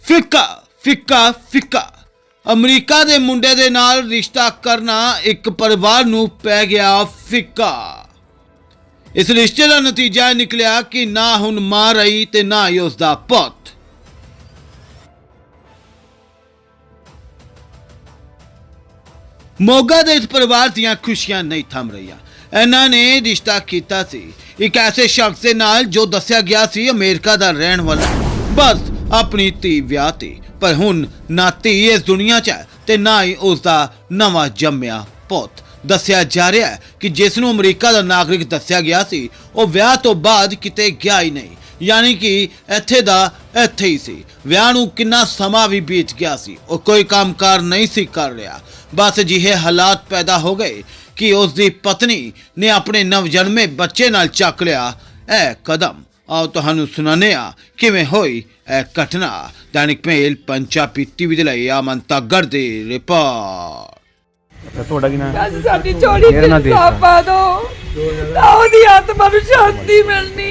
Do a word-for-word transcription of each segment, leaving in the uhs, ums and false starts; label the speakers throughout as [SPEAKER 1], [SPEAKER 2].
[SPEAKER 1] ਫਿੱਕਾ ਫਿੱਕਾ ਫਿੱਕਾ ਅਮਰੀਕਾ ਦੇ ਮੁੰਡੇ ਦੇ ਨਾਲ ਰਿਸ਼ਤਾ ਕਰਨਾ ਇੱਕ ਪਰਿਵਾਰ ਨੂੰ ਪੈ ਗਿਆ ਫਿੱਕਾ। ਇਸ ਰਿਸ਼ਤੇ ਦਾ ਨਤੀਜਾ ਨਿਕਲਿਆ ਕਿ ਨਾ ਹੁਣ ਮਾਂ ਰਹੀ ਤੇ ਨਾ ਹੀ ਉਸ ਦਾ ਪੁੱਤ। ਮੋਗਾ ਦੇ ਇਸ ਪਰਿਵਾਰ ਦੀਆਂ ਖੁਸ਼ੀਆਂ ਨਹੀਂ ਥੰਮ ਰਹੀਆਂ। ਇਹਨਾਂ ਨੇ ਰਿਸ਼ਤਾ ਕੀਤਾ ਸੀ ਇੱਕ ਐਸੇ ਸ਼ਖਸ ਦੇ ਨਾਲ ਜੋ ਦੱਸਿਆ ਗਿਆ ਸੀ ਅਮਰੀਕਾ ਦਾ ਰਹਿਣ ਵਾਲਾ। ਬਸ ਆਪਣੀ ਧੀ ਵਿਆਹ ਤੇ, ਪਰ ਹੁਣ ਨਾ ਧੀ ਇਸ ਦੁਨੀਆ 'ਚ ਹੈ ਤੇ ਨਾ ਹੀ ਉਸ ਦਾ ਨਵਾਂ ਜੰਮਿਆ ਪੁੱਤ। ਦੱਸਿਆ ਜਾ ਰਿਹਾ ਹੈ ਕਿ ਜਿਸ ਨੂੰ ਅਮਰੀਕਾ ਦਾ ਨਾਗਰਿਕ ਦੱਸਿਆ ਗਿਆ ਸੀ ਉਹ ਵਿਆਹ ਤੋਂ ਬਾਅਦ ਕਿਤੇ ਗਿਆ ਹੀ ਨਹੀਂ, ਯਾਨੀ ਕਿ ਇੱਥੇ ਦਾ ਇੱਥੇ ਹੀ ਸੀ। ਵਿਆਹ ਨੂੰ ਕਿੰਨਾ ਸਮਾਂ ਵੀ ਬੀਤ ਗਿਆ ਸੀ, ਉਹ ਕੋਈ ਕੰਮਕਾਰ ਨਹੀਂ ਸੀ ਕਰ ਰਿਹਾ। ਬਸ ਅਜਿਹੇ ਹਾਲਾਤ ਪੈਦਾ ਹੋ ਗਏ ਕਿ ਉਸ ਦੀ ਪਤਨੀ ਨੇ ਆਪਣੇ ਨਵਜਨਮੇ ਬੱਚੇ ਨਾਲ ਚੱਕ ਲਿਆ ਇਹ ਕਦਮ। ਆਓ ਤੁਹਾਨੂੰ ਸੁਣਾਉਂਦੇ ਹਾਂ ਕਿਵੇਂ ਹੋਈ ਇਹ ਘਟਨਾ। ਦੈਨਿਕ ਮੇਲ ਪੰਜਾਬੀ ਟੀਵੀ ਦੇ ਲਈ ਅਮਨ ਤਾਗੜ ਦੀ ਰਿਪੋਰਟ।
[SPEAKER 2] ਤੁਹਾਡਾ ਕੀ ਨਾਮ ਹੈ?
[SPEAKER 3] ਸਾਡੀ ਚੋਰੀ ਤੇ ਇਨਸਾਫ ਪਾ ਦੋ, ਤਾਂ ਉਹਦੀ ਆਤਮਾ ਨੂੰ ਸ਼ਾਂਤੀ ਮਿਲਣੀ।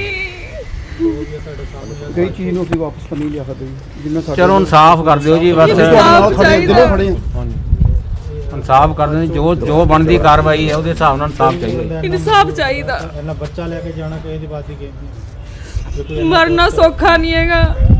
[SPEAKER 4] ਕਈ ਚੀਜ਼ ਨੂੰ ਅਸੀਂ ਵਾਪਸ ਤਾਂ ਨਹੀਂ ਲਿਆ ਸਕਦੇ ਜਿੰਨਾ ਸਾਡੇ
[SPEAKER 2] ਚਲੋ ਇਨਸਾਫ ਕਰ ਦਿਓ ਜੀ, ਬਸ
[SPEAKER 3] ਇਨਸਾਫ ਚਾਹੀਦਾ।
[SPEAKER 4] ਖੜੇ
[SPEAKER 2] ਇਨਸਾਫ ਕਰ ਦਿਓ। ਜੋ ਜੋ ਬਣਦੀ ਕਾਰਵਾਈ ਹੈ ਉਹਦੇ ਹਿਸਾਬ ਨਾਲ ਇਨਸਾਫ ਚਾਹੀਦਾ।
[SPEAKER 3] ਇਨਸਾਫ ਚਾਹੀਦਾ।
[SPEAKER 5] ਇਹਨਾਂ ਬੱਚਾ ਲੈ ਕੇ ਜਾਣਾ ਕਿਸੇ ਦੀ ਬਾਤ ਹੀ ਕਿ
[SPEAKER 3] ਮਰਨਾ ਸੌਖਾ ਨਹੀਂ ਹੈਗਾ।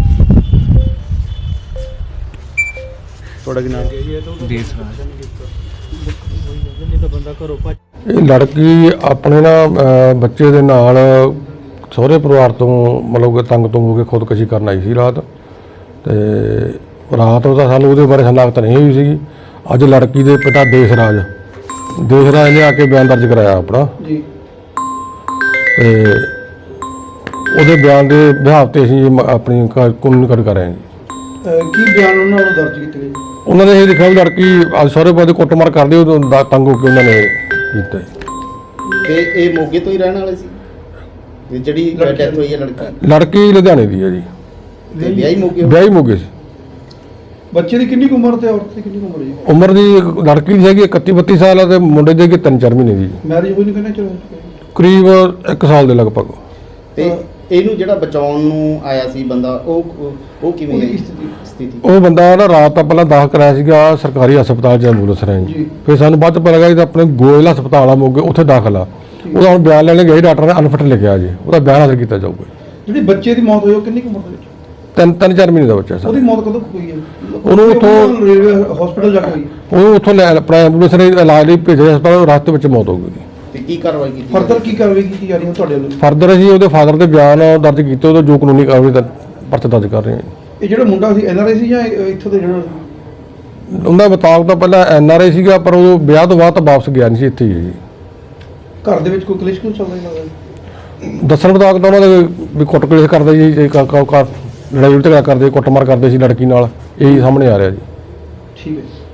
[SPEAKER 4] ਤੁਹਾਡਾ ਕੀ ਨਾਮ ਹੈ?
[SPEAKER 2] ਦੇਸ ਰਾਜ
[SPEAKER 5] ਨਹੀਂ ਤਾਂ ਬੰਦਾ ਘਰੋਂ ਭੱਜ।
[SPEAKER 6] ਇਹ ਲੜਕੀ ਆਪਣੇ ਨਾ ਅਹ ਬੱਚੇ ਦੇ ਨਾਲ ਸਹੁਰੇ ਪਰਿਵਾਰ ਤੋਂ ਮਤਲਬ ਕਿ ਤੰਗ ਤੋਂ ਹੋ ਕੇ ਖੁਦਕੁਸ਼ੀ ਕਰਨ ਆਈ ਸੀ ਰਾਤ। ਤੇ ਰਾਤ ਉਹਦਾ ਸਾਨੂੰ ਉਹਦੇ ਬਾਰੇ ਹਲਾਕਤ ਨਹੀਂ ਹੋਈ ਸੀਗੀ। ਅੱਜ ਲੜਕੀ ਦੇ ਪਿਤਾ ਦੇਸ ਰਾਜ ਦੇਸ ਰਾਜ ਨੇ ਆ ਕੇ ਬਿਆਨ ਦਰਜ ਕਰਾਇਆ ਆਪਣਾ
[SPEAKER 4] ਜੀ।
[SPEAKER 6] ਤੇ ਉਹਦੇ ਬਿਆਨ ਦੇ ਬਿਹਾਫ ਤੇ ਅਸੀਂ ਮ- ਆਪਣੀ ਕਾਨੂੰਨੀ ਕਾਰਵਾਈ ਕਰ ਰਹੇ ਹਾਂ ਜੀ।
[SPEAKER 4] ਅਹ ਕੀ ਬਿਆਨ ਉਹਨਾਂ ਵੱਲੋਂ ਦਰਜ ਕੀਤੇ ਗਏ?
[SPEAKER 6] ਉਹਨਾਂ ਨੇ ਇਹ ਲਿਖਿਆ ਵੀ ਲੜਕੀ ਅੱਜ ਸਹੁਰੇ ਪਰਿਵਾਰ ਦੀ ਕੁੱਟਮਾਰ ਕਰਦੀ ਉਹ ਦਾ ਤੰਗ ਹੋ ਕੇ ਉਹਨਾਂ ਨੇ ਕੀਤਾ ਜੀ।
[SPEAKER 7] ਤੇ ਇਹ ਮੋਗੇ ਤੋਂ ਹੀ ਰਹਿਣ ਵਾਲੇ ਸੀ ਤੇ ਜਿਹੜੀ ਡੈਥ ਹੋਈ ਹੈ ਲੜਕੀ
[SPEAKER 6] ਲੜਕੀ ਲੁਧਿਆਣੇ ਦੀ ਹੈ ਜੀ,
[SPEAKER 7] ਤੇ ਵਿਆਹੀ ਮੋਗੇ ਹੋਈ?
[SPEAKER 6] ਵਿਆਹੀ ਮੋਗੇ ਸੀ।
[SPEAKER 4] ਬੱਚੇ ਦੀ ਕਿੰਨੀ ਕੁ ਉਮਰ ਤੇ ਔਰਤ ਦੀ ਕਿੰਨੀ ਕੁ ਉਮਰ ਹੈ ਜੀ?
[SPEAKER 6] ਉਮਰ ਦੀ ਲੜਕੀ ਦੀ ਹੈਗੀ ਇਕੱਤੀ ਬੱਤੀ ਸਾਲ ਹੈ ਤੇ ਮੁੰਡੇ ਦੀ ਹੈਗੀ ਤਿੰਨ ਚਾਰ ਮਹੀਨੇ ਦੀ,
[SPEAKER 4] ਮੈਰਿਜ ਹੋਈ ਨਹੀਂ ਕਹਿੰਦੇ ਚਲੋ।
[SPEAKER 6] ਕਰੀਬ ਇੱਕ ਸਾਲ ਦੇ ਲਗਭਗ।
[SPEAKER 7] ਤੇ ਇਹਨੂੰ ਜਿਹੜਾ ਬਚਾਉਣ ਨੂੰ ਆਇਆ ਸੀ ਬੰਦਾ ਉਹ ਉਹ ਕਿਵੇਂ
[SPEAKER 4] ਉਹਦੀ
[SPEAKER 7] ਹੈ
[SPEAKER 4] ਸਥਿਤੀ?
[SPEAKER 7] ਸਥਿਤੀ
[SPEAKER 6] ਉਹ ਬੰਦਾ ਨਾ ਰਾਤ ਤਾਂ ਪਹਿਲਾਂ ਦਾਖਲ ਕਰਾਇਆ ਸੀਗਾ ਸਰਕਾਰੀ ਹਸਪਤਾਲ 'ਚ ਐਂਬੂਲੈਂਸ ਰਾਹੀਂ ਜੀ। ਫਿਰ ਸਾਨੂੰ ਬਾਅਦ 'ਚ ਪਤਾ ਲੱਗਾ ਕਿ ਆਪਣੇ ਗੋਇਲ ਹਸਪਤਾਲ ਆ ਮੋਗੇ ਉੱਥੇ ਦਾਖਲ ਆ। ਉਹਦਾ ਹੁਣ ਬਿਆਨ ਲੈਣ ਗਏ ਡਾਕਟਰ ਨੇ ਅਨਫਿਟ ਲਿਖਿਆ ਜੀ, ਉਹਦਾ ਬਿਆਨ ਹਾਜ਼ਰ ਕੀਤਾ ਜਾਊਗਾ।
[SPEAKER 4] ਜਿਹੜੀ ਬੱਚੇ ਦੀ ਮੌਤ ਹੋਈ ਉਹ ਕਿੰਨੀ ਕੁ ਉਮਰ ਦੇ ਵਿੱਚ?
[SPEAKER 6] ਤਿੰਨ ਤਿੰਨ ਚਾਰ ਮਹੀਨੇ ਦਾ ਬੱਚਾ ਸਰ।
[SPEAKER 4] ਉਹਦੀ ਮੌਤ ਕਦੋਂ ਕੁ ਹੋਈ ਹੈ?
[SPEAKER 6] ਉਹਨੂੰ ਉੱਥੋਂ-
[SPEAKER 4] ਰੇਲਵੇ ਹਸਪੀਟਲ ਜਾ ਕੇ ਹੋਈ।
[SPEAKER 6] ਉਹਨੂੰ ਉੱਥੋਂ ਲੈ ਆਪਣਾ ਐਂਬੂਲੈਂਸ ਰਾਹੀਂ ਇਲਾਜ ਲਈ ਭੇਜਿਆ ਹਸਪਤਾਲ, ਰਾਸਤੇ ਵਿੱਚ ਮੌਤ ਹੋ ਗਈ।
[SPEAKER 7] ਤੇ ਕੀ ਕਾਰਵਾਈ ਕੀਤੀ
[SPEAKER 4] ਫਰਦਰ ਕੀ ਕਾਰਵਾਈ ਕੀਤੀ ਜਾ ਰਹੀ ਹੈ ਤੁਹਾਡੇ ਵੱਲੋਂ?
[SPEAKER 6] ਫਰਦਰ ਅਸੀਂ ਉਹਦੇ ਫਾਦਰ ਦੇ ਬਿਆਨ ਦਰਜ ਕੀਤੇ, ਉਹਦਾ ਜੋ ਕਾਨੂੰਨੀ ਕਾਰਵਾਈ ਦਾ ਪਰਚਾ ਦਰਜ ਕਰ ਰਹੇ ਹਾਂ।
[SPEAKER 4] ਇਹ ਜਿਹੜਾ ਮੁੰਡਾ ਸੀ ਐਨ ਆਰ ਆਈ ਸੀ ਜਾਂ ਇਹ ਇੱਥੋਂ ਦੇ ਜਿਹੜਾ?
[SPEAKER 6] ਉਹਦਾ ਮੁਤਾਬਕ ਤਾਂ ਪਹਿਲਾਂ ਐਨ ਆਰ ਆਈ ਸੀਗਾ, ਪਰ ਉਹ ਵਿਆਹ ਤੋਂ ਬਾਅਦ ਤਾਂ ਵਾਪਸ ਗਿਆ ਨਹੀਂ ਸੀ, ਇੱਥੇ ਹੀ ਹੈ ਜੀ।
[SPEAKER 4] ਘਰ ਦੇ ਵਿੱਚ ਕੋਈ ਕਲੇਸ਼ ਕਿਉਂ ਚੱਲ ਰਿਹਾ ਹੈ?
[SPEAKER 6] ਦੱਸਣ ਮੁਤਾਬਕ ਤਾਂ ਉਹਨਾਂ ਦੇ ਵੀ ਕੁੱਟ ਕਲੇਸ਼ ਕਰਦੇ ਜੀ, ਇਹ ਕ- ਕ- ਕ- ਲੜਾਈ ਝਗੜਾ ਕਰਦੇ, ਕੁੱਟਮਾਰ ਕਰਦੇ ਸੀ ਲੜਕੀ ਨਾਲ, ਇਹੀ ਸਾਹਮਣੇ ਆ ਰਿਹਾ ਜੀ।
[SPEAKER 4] ਠੀਕ ਹੈ।